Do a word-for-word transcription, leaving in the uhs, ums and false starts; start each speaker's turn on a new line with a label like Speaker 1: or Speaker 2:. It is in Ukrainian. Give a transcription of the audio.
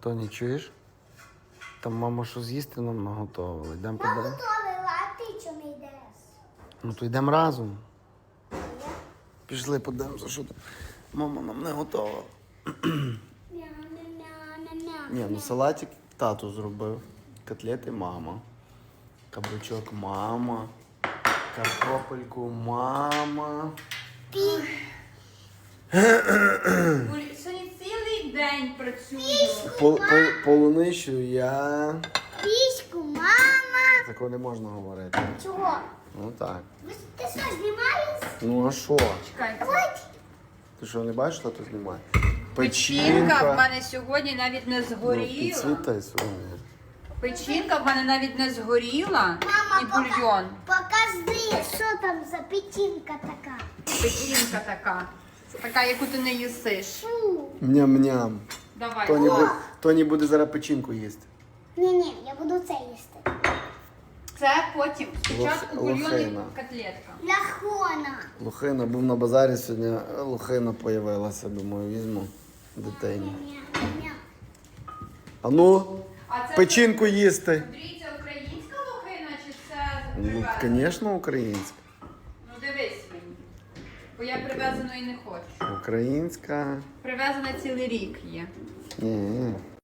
Speaker 1: Тоні, чуєш? Там мама що з'їсти нам наготовила. Йдемо
Speaker 2: Я
Speaker 1: подивимось.
Speaker 2: готовила, а ти чому не йдеш?
Speaker 1: Ну то йдемо разом. Пішли подивимося, що там. Мама нам не готова.
Speaker 2: Мя-мя-мя-мя-мя.
Speaker 1: Ні, ну салатик тату зробив. Котлети мама. Кабачок мама. Картопельку мама.
Speaker 3: Сьогодні цілий день працюю.
Speaker 1: Пол, пол, полуничу я.
Speaker 2: Піську, мама.
Speaker 1: Такого не можна говорити.
Speaker 2: Чого?
Speaker 1: Ну так.
Speaker 2: Ви- Ти що, знімаєш?
Speaker 1: Ну а що?
Speaker 3: Чекайте.
Speaker 2: Ой,
Speaker 1: Ти що, не бачиш, що тут знімає?
Speaker 3: Печінка в мене сьогодні навіть не
Speaker 1: Ну,
Speaker 3: згоріла.
Speaker 1: підсвітай сьогодні.
Speaker 3: Печінка в мене навіть не згоріла.
Speaker 2: мама,
Speaker 3: І
Speaker 2: пока-
Speaker 3: бульйон.
Speaker 2: покажи, що там за печінка така.
Speaker 3: Печінка така. Така, яку ти не їсиш.
Speaker 2: Фу.
Speaker 1: Ням-ням.
Speaker 3: Давай.
Speaker 1: Тоні,
Speaker 3: О,
Speaker 1: буде, Тоні буде зараз печінку їсти.
Speaker 2: Ні-ні, я буду це їсти.
Speaker 3: це потім. Спочатку
Speaker 1: Лох-
Speaker 3: бульйон і
Speaker 1: лохина.
Speaker 3: котлетка.
Speaker 2: Лахона.
Speaker 1: Лухина, був на базарі сьогодні, лухина появилася, думаю, візьму дитині.
Speaker 2: Мя-мя-мя.
Speaker 1: А ну,
Speaker 3: А це
Speaker 1: печінку їсти.
Speaker 3: Андрій, це українська лохина чи це
Speaker 1: Ну,
Speaker 3: привезена?
Speaker 1: звісно, українська.
Speaker 3: Ну дивись мені. Бо я привезеної не хочу.
Speaker 1: Українська.
Speaker 3: Привезена цілий рік є.
Speaker 1: Ні.